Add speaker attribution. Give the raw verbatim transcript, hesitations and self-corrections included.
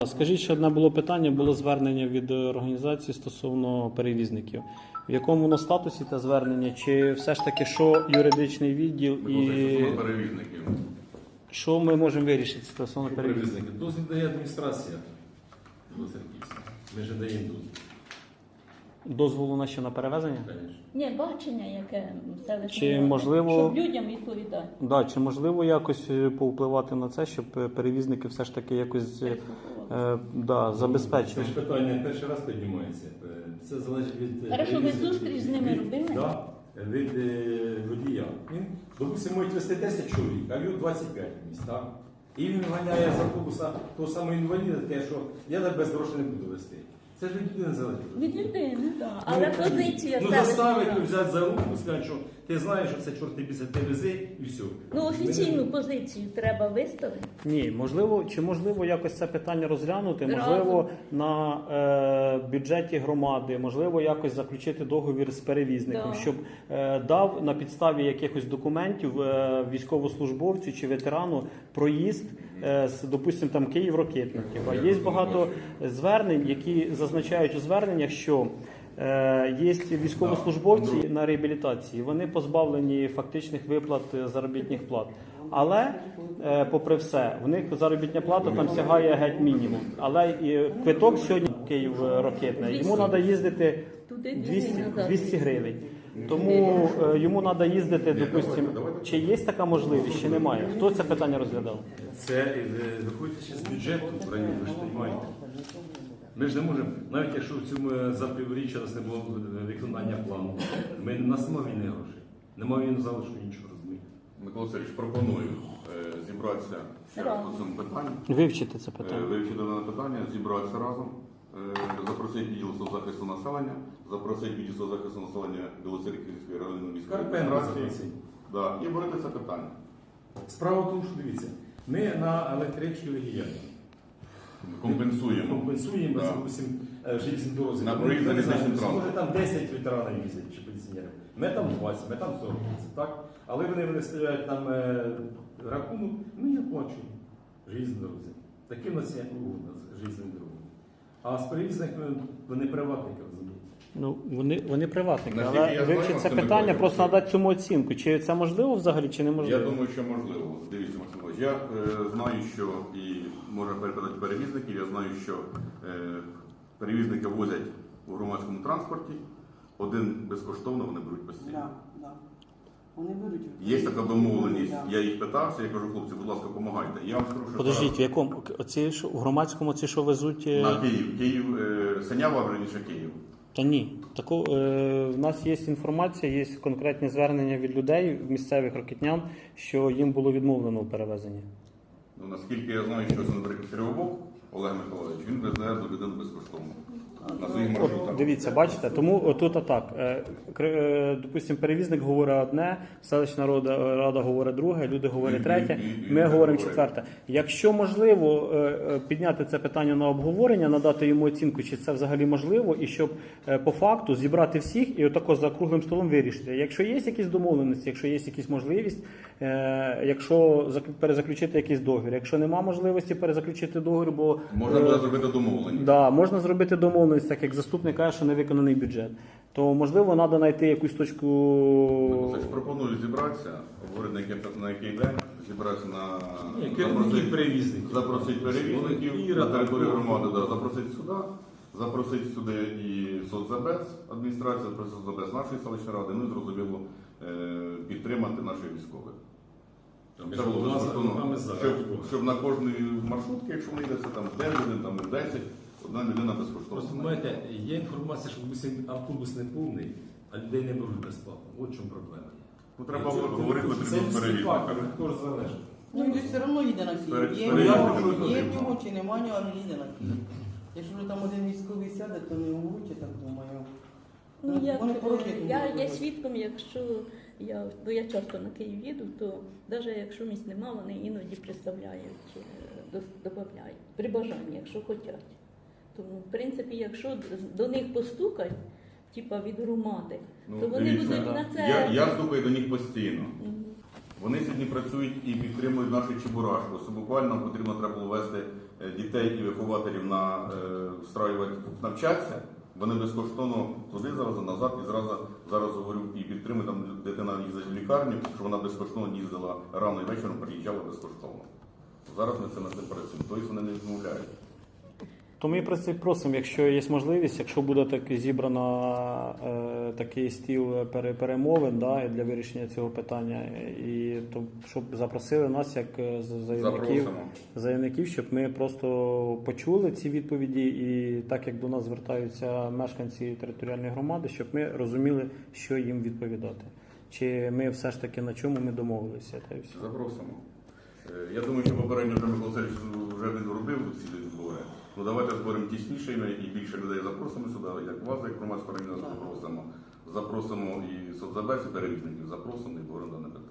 Speaker 1: Скажіть, ще одне було питання, було звернення від організації стосовно перевізників. В якому воно статусі те звернення? Чи все ж таки, що юридичний відділ і
Speaker 2: Стосовно перевізників.
Speaker 1: що ми можемо вирішити стосовно перевізників?
Speaker 2: Перевізники. Дозвіл дає адміністрація Білоцерківська. Ми ж даємо дозвіл.
Speaker 1: Дозволу на що, на перевезення?
Speaker 2: Звісно.
Speaker 3: Ні, бачення, яке селище.
Speaker 1: Чи можливо-
Speaker 3: Щоб людям відповідати.
Speaker 1: Да, чи можливо якось е, повпливати на це, щоб е, перевізники все ж таки якось е, е, да,
Speaker 2: Це
Speaker 1: забезпечили?
Speaker 2: ж питання перший раз піднімається. Це залежить від...
Speaker 3: Хорошо, ви
Speaker 2: перевізника.
Speaker 3: зустріч з ними
Speaker 2: Від-
Speaker 3: робили?
Speaker 2: Да, від е, водія. Він, допустимо, може вести десять чоловік, а його двадцять п'ять в місць, так? І він ганяє з автобуса того самого інваліда, те, що я так без грошей не буду вести. Це ж від людини залежить.
Speaker 3: Від людини, так. Але
Speaker 2: Ну,
Speaker 3: позиція
Speaker 2: Ну,
Speaker 3: селищної
Speaker 2: заставити,
Speaker 3: ради.
Speaker 2: взяти за руку, сказати, що ти знаєш, що це чорти після ти вези, і все.
Speaker 3: Ну, офіційну позицію треба виставити.
Speaker 1: Ні, можливо, чи можливо якось це питання розглянути,
Speaker 3: Разом.
Speaker 1: можливо, на е, бюджеті громади, можливо, якось заключити договір з перевізником,
Speaker 3: Да.
Speaker 1: щоб е, дав на підставі якихось документів е, військовослужбовцю чи ветерану проїзд е, з, допустимо, там Київ-Рокетників. А є багато звернень, які зазначають у зверненнях, що Е, Є військовослужбовці на реабілітації, вони позбавлені фактичних виплат е, заробітних плат. Але, е, попри все, в них заробітня плата там сягає геть мінімум. Але і квиток сьогодні Київ-Рокетне, йому треба їздити
Speaker 3: Туди
Speaker 1: двісті,
Speaker 3: назад.
Speaker 1: двісті гривень. Тому е, йому треба їздити, допустимо, чи є така можливість, чи немає. Хто це питання розглядав?
Speaker 2: Це е, виходить ще з бюджету, правильно, ви ж розумієте. Ми ж не можемо, навіть якщо в цьому е, за півріччя у нас не було е, виконання плану, ми, у нас немає вільних грошей. Немає вільного залишку іншого, розумієте.
Speaker 4: Микола Сергійович, пропоную е, зібратися ще раз по цьому питанню,
Speaker 1: Вивчити це
Speaker 4: е,
Speaker 1: питання.
Speaker 4: вивчити дане питання, зібратися разом, е, запросити відділ соцзахисту населення, запросити відділ соцзахисту населення Білоцерківської районної міської
Speaker 2: Карпен
Speaker 4: адміністрації,
Speaker 2: розповісти.
Speaker 4: да, і борити це питання.
Speaker 2: Справа в тому, що дивіться, ми на електричці діяльні.
Speaker 4: Компенсуємо.
Speaker 2: Компенсуємо,
Speaker 4: Да.
Speaker 2: допустим, железні дороги.
Speaker 4: На проїзд
Speaker 2: Ми не знаємо,
Speaker 4: залізничним транспортом.
Speaker 2: може там десять ветеранів їздять чи пенсіонерів. Ми там двадцять, ми там сорок, так? Але вони виставляють нам е, рахунок, ми не оплачуємо железні дорозі. Такі в нас є угода з железними дорогами. А з перевізниками вони приватники, розумієте.
Speaker 1: Ну, вони, вони приватники,
Speaker 4: Наскільки
Speaker 1: але
Speaker 4: я знаю,
Speaker 1: вивчити це
Speaker 4: Максим
Speaker 1: питання,
Speaker 4: Миколаївич,
Speaker 1: просто надати цьому оцінку. Чи це можливо взагалі, чи
Speaker 4: Я
Speaker 1: неможливо?
Speaker 4: думаю, що можливо. Дивіться, Максим Миколаївич, я е, знаю, що і можна передати перевізників, я знаю, що е, перевізники возять у громадському транспорті, один безкоштовно вони беруть постійно.
Speaker 5: Да, да. Вони беруть.
Speaker 4: Є така домовленість,
Speaker 5: Да.
Speaker 4: я їх питався, я кажу, хлопці, будь ласка, допомагайте. Я вам скажу, що
Speaker 1: Подождіть, в якому? Оці, що, в громадському ці, що везуть? е,
Speaker 4: зараз на Київ, Київ, е, Синява, верніше Київ.
Speaker 1: Та ні. Тако, е, в нас є інформація, є конкретні звернення від людей, місцевих рокетнян, що їм було відмовлено у перевезенні.
Speaker 4: Ну, наскільки я знаю, що це, наприклад, Кривобок Олег Миколаївич, він везе до людини безкоштовно. На своїх маршрутах.
Speaker 1: От, дивіться, бачите, тому отут атак. Е, кр- е, Допустим, перевізник говорить одне, селищна рада, рада говорить друге, люди говорять
Speaker 4: І-
Speaker 1: третє,
Speaker 4: і- і- і
Speaker 1: ми
Speaker 4: не
Speaker 1: говоримо
Speaker 4: говорять.
Speaker 1: четверте. Якщо можливо е, е, підняти це питання на обговорення, надати йому оцінку, чи це взагалі можливо, і щоб е, по факту зібрати всіх і отако за круглим столом вирішити. Якщо є якісь домовленості, якщо є якісь можливість, е, якщо зак- перезаключити якийсь договір, якщо нема можливості перезаключити договір, бо
Speaker 4: Можна
Speaker 1: е,
Speaker 4: буде зробити домовленість.
Speaker 1: Да, можна зробити домовленість, так як заступник каже, що не виконаний бюджет. То можливо треба знайти якусь точку.
Speaker 4: Значить, пропоную зібратися, говорити на який, на який день, зібратися на
Speaker 2: Ні, керівників перевізників.
Speaker 4: запросити перевізників
Speaker 2: І
Speaker 4: на
Speaker 2: рада.
Speaker 4: територію громади, да, запросити сюди, запросити сюди і соцзабез, адміністрацію, запросити соцзабез нашої селищної ради, ну і зрозуміло е, підтримати наших військових. Це було безкоштовно, щоб, щоб на кожній маршрутці, якщо вони йдеться там дев'ять годин, там десять, одна людина
Speaker 2: Просто,
Speaker 4: безкоштовно.
Speaker 2: знаєте, є інформація, що допустим, автобус не повний, а людей не беруть безплатно. От в чому проблема.
Speaker 4: Ну, треба говорити потрібно з перевізниками.
Speaker 2: Також залежить.
Speaker 5: Ну, він же все одно їде на Київ.
Speaker 4: Перед-
Speaker 5: Є в
Speaker 4: перед-
Speaker 5: нього,
Speaker 4: перед-
Speaker 5: є в нього чи немає нього, але їде на Київ. Якщо вже там один військовий сяде, то не умруть, я так думаю.
Speaker 3: Ну, як,
Speaker 5: Вони порохи
Speaker 3: я
Speaker 5: можуть
Speaker 3: є
Speaker 5: бути.
Speaker 3: свідком, якщо я, бо я часто на Київ їду, то навіть якщо місць нема, вони іноді представляють, е, дос- додають, при бажанні, якщо хочуть. Тому, в принципі, якщо з- до них постукать, типа від громади,
Speaker 4: Ну,
Speaker 3: то вони
Speaker 4: дивіться,
Speaker 3: будуть на це.
Speaker 4: Я, я стукаю до них постійно.
Speaker 3: Мгм.
Speaker 4: Вони сьогодні працюють і підтримують нашу Чебурашку. Це буквально потрібно треба було вести е, дітей і вихователів на е, встраювати навчатися, вони безкоштовно туди зараз, назад, і зразу зараз говорю і підтримую, там дитина їздить в лікарню, що вона безкоштовно їздила рано і вечором, приїжджала безкоштовно. Зараз ми це над цим працюємо, тобто вони не відмовляють.
Speaker 1: То ми просто просимо, якщо є можливість, якщо буде так зібрано е, такий стіл пере- перемовин, да, і для вирішення цього питання, і то щоб запросили нас як е, з- заявників,
Speaker 4: Запросимо.
Speaker 1: заявників, щоб ми просто почули ці відповіді, і так як до нас звертаються мешканці територіальної громади, щоб ми розуміли, що їм відповідати. Чи ми все ж таки на чому ми домовилися, та й все.
Speaker 4: Запросимо. Е, Я думаю, що попередньо вже Микола Васильович вже він зробив ці збори. Ну давайте зберемо тісніше і більше людей запросимо сюди, як вас, як громадську організацію запросимо. Запросимо і соцзабез, і перевізників запросимо і говоримо дане питання.